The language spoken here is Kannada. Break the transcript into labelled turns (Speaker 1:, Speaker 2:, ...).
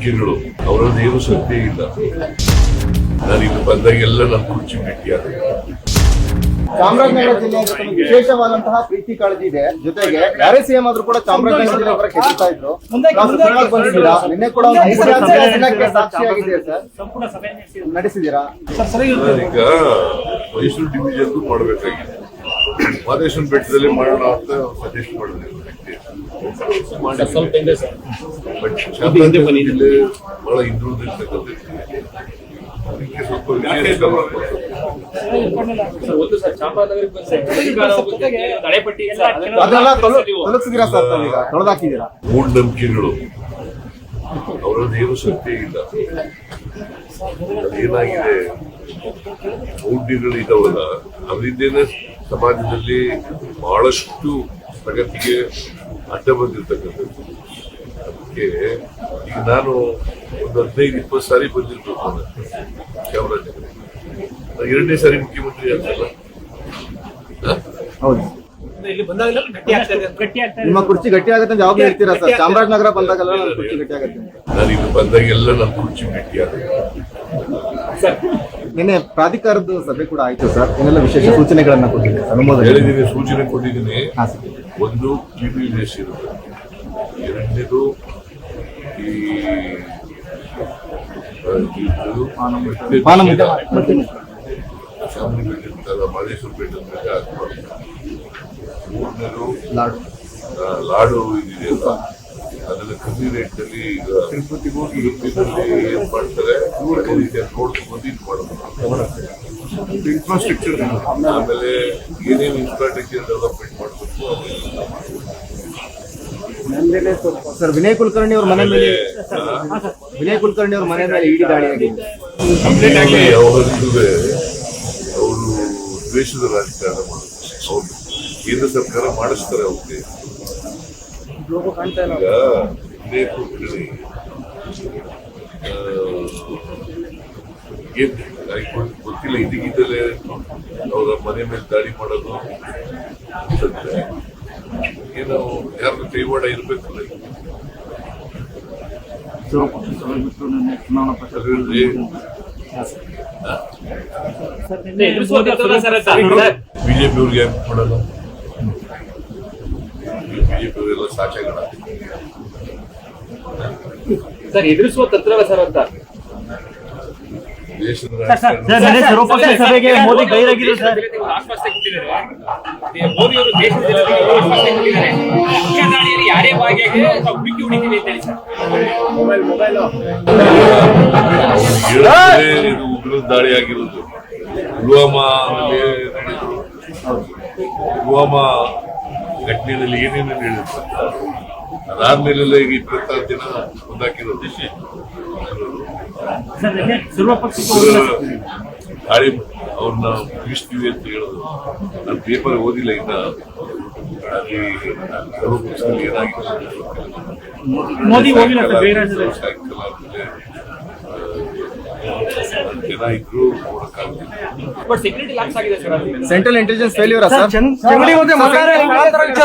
Speaker 1: ಮೂಢನಂಬಿಕೆಗಳು ಅವರದ್ದೇನು ಸತ್ಯ ಇಲ್ಲ. ನಾನು ಇಲ್ಲಿ ಬಂದಾಗೆಲ್ಲ ನನ್ನ ಕುರ್ಚಿ ಭೇಟಿಯಾದ.
Speaker 2: ಚಾಮರಾಜನಗರ ಜಿಲ್ಲೆಯ ವಿಶೇಷವಾದಂತಹ ಪ್ರೀತಿ ಕಾಳಜಿ ಇದೆ. ಜೊತೆಗೆ ಯಾರೇ ಸಿಎಂ ಆದ್ರೂ ಕೂಡ ಚಾಮರಾಜನಗರ ಜಿಲ್ಲೆ ಹೊರಗೆ ಗೆಲ್ತಾ ಇದ್ರು. ಬಂದಿದ್ದೀರಾ, ನಿನ್ನೆ ಕೂಡ ಸಾಕ್ಷಿಯಾಗಿದೆ ಸರ್, ನಡೆಸಿದ್ದೀರಾ?
Speaker 1: ಈಗ ಮೈಸೂರು ಡಿವಿಷನ್ ಮಾಡಬೇಕಾಗಿದೆ, ಮಾದೇಶ್ವರ ಬೆಟ್ಟದಲ್ಲಿ ಮಾಡೋಣ ಅಂತ ಸಜೆಸ್ಟ್ ಮಾಡಿದೆ. ಬಟ್ ಚಾಮರಾಜನಗರದಲ್ಲಿ ಬಹಳ ಹಿಂದುಳಿದಿರ್ತಕ್ಕಂಥ ಅದಕ್ಕೆ ಸ್ವಲ್ಪ ಮೂಢನಂಬಿಕೆಗಳು ಅವರದ್ದೇನು ಸತ್ಯ ಇಲ್ಲ. ಅದೇನಾಗಿದೆ, ಮೌಢ್ಯಗಳು ಇದಾವಲ್ಲ, ಅದರಿಂದೇನೆ ಸಮಾಜದಲ್ಲಿ ಬಹಳಷ್ಟು ಪ್ರಗತಿಗೆ ಅಡ್ಡ ಬಂದಿರ್ತಕ್ಕಂಥದ್ದು. ಅದಕ್ಕೆ ಈಗ ನಾನು ಒಂದು 15-20 ಸಾರಿ ಬಂದಿರ್ಬೇಕು ಚಾಮರಾಜನಗರ. ನಾನು 2ನೇ ಸಾರಿ ಮುಖ್ಯಮಂತ್ರಿ ಆಗ್ತಲ್ಲ.
Speaker 2: ಹೌದು, ನಿಮ್ಮ ಕುರ್ಚಿ ಗಟ್ಟಿ ಆಗುತ್ತೆ ಜವಾಬ್ದಾರಿ ಹೇಳ್ತೀರಾ ಸರ್? ಚಾಮರಾಜನಗರ ಬಂದಾಗಲ್ಲ ನನ್ನ ಕುರ್ಚಿ ಗಟ್ಟಿ ಆಗುತ್ತೆ.
Speaker 1: ನಾನು ಇಲ್ಲಿ ಬಂದಾಗೆಲ್ಲ ನನ್ನ ಕುರ್ಚಿ ಭೇಟಿಯಾದ.
Speaker 2: ನಿನ್ನೆ ಪ್ರಾಧಿಕಾರದ ಸಭೆ ಕೂಡ ಆಯ್ತು ಸರ್, ಏನೆಲ್ಲ ವಿಶೇಷ ಸೂಚನೆಗಳನ್ನ ಕೊಟ್ಟಿದ್ದೀರಿ? ಅನುಮೋದನೆ
Speaker 1: ಹೇಳಿದ್ದೀನಿ, ಸೂಚನೆ ಕೊಟ್ಟಿದ್ದೀನಿ. ಒಂದು PPS ಇರುತ್ತೆ, ಎರಡನೇದು ಈ ಶಾಮಿ ಬೆಟ್ಟ, ಮಾದೇಶ್ವರ ಬೆಟ್ಟದ ಹಾಕ್ಬಾರ್ದು. ಮೂರನೇದು ಲಾಡು ಇದೆಯಲ್ಲ, ಅದನ್ನ ಕಮ್ಮಿ ರೇಟ್ ನಲ್ಲಿ ಈಗ ತಿರುಪತಿಗೂ ಏನ್ ಮಾಡ್ತಾರೆ ನೋಡ್ಕೊಂಡು ಇದು ಮಾಡಬೇಕು. ಇನ್ಫ್ರಾಸ್ಟ್ರಕ್ಚರ್, ಆಮೇಲೆ ಏನೇನು ಇನ್ಫ್ರಾಸ್ಟ್ರಕ್ಚರ್ ಡೆವಲಪ್ಮೆಂಟ್ ಮಾಡಬೇಕು.
Speaker 2: ಸರ್, ವಿನಯ್ ಕುಲಕರ್ಣಿ ಅವ್ರ ಮನೆ ಮೇಲೆ ಇಡಿ ದಾಳಿ ಆಗಿದೆ.
Speaker 1: ಅವರು ದ್ವೇಷದ ರಾಜಕಾರಣ ಮಾಡುತ್ತಾರೆ. ಅವ್ರು ಕೇಂದ್ರ ಸರ್ಕಾರ ಮಾಡಿಸ್ತಾರೆ ಅವ್ರಿಗೆ. ಈಗ ವಿನಯ್ ಕುಲಕರ್ಣಿ ಗೊತ್ತಿಲ್ಲ, ಇದಕ್ಕಿದ್ದಲೇ ಅವರ ಮನೆ ಮೇಲೆ ದಾಳಿ ಮಾಡೋದು ಅನ್ಸುತ್ತೆ. ಏನೋ ಯಾರು ಕೈವಾಡ ಇರ್ಬೇಕಲ್ಲ. ಬಿಜೆಪಿ ಅವ್ರಿಗೆ ಯಾಕೆ ಮಾಡಲ್ಲ? ಬಿಜೆಪಿ ಅವರೆಲ್ಲ ಸಾಚಾಗಣ
Speaker 3: ಸರ್, ಎದುರಿಸುವ ತಂತ್ರವ ಸರ್ ಅಂತ
Speaker 1: ದೇಶದ
Speaker 2: ಸಭೆಗೆ ಮೋದಿ ಗೈರಾಗಿದ್ರು ಸರ್.
Speaker 3: ಆಶ್ವಾಸನೆ ಕೊಟ್ಟಿದ್ದಾರೆ ಮೋದಿ ಅವರು. ದೇಶದ ಆಶ್ವಾಸನೆ ಕೊಟ್ಟಿದ್ದಾರೆ, ಮುಖ್ಯ ದಾಳಿಯಲ್ಲಿ ಯಾರೇ ಭಾಗಿಯಾಗಿ ಹುಡುಕಿ ಹೊಡಿತೀವಿ ಅಂತ ಹೇಳಿ ಸರ್.
Speaker 1: ಇದು ಉಗ್ರ ದಾಳಿ ಆಗಿರೋದು ಪುಲ್ವಾಮಾ ಘಟನೆಯಲ್ಲಿ ಏನೇನು ಹೇಳಿದ್ರು. ಅದಾದ್ಮೇಲೆಲ್ಲ ಈಗ 26 ದಿನ ಮುಂದಾಕಿರೋದು. ದಾಳಿ ಅವ್ರನ್ನ ಮುಗಿಸ್ತೀವಿ ಅಂತ ಹೇಳೋದು. ನಾನು ಪೇಪರ್ ಓದಿಲ್ಲ ಇನ್ನ, ಅಲ್ಲಿ ಏನಾಗಿದೆ ಸಾಯಂಕಾಲ ಆದ್ಮೇಲೆ ಜನ ಇದ್ರು ನೋಡಕ್ಕಾಗ್ತಿಲ್ಲ.
Speaker 3: ಬಟ್ ಸೆಕ್ಯೂರಿಟಿ ಲ್ಯಾಪ್ಸ್ ಆಗಿದೆ sir.
Speaker 2: Central intelligence failure sir.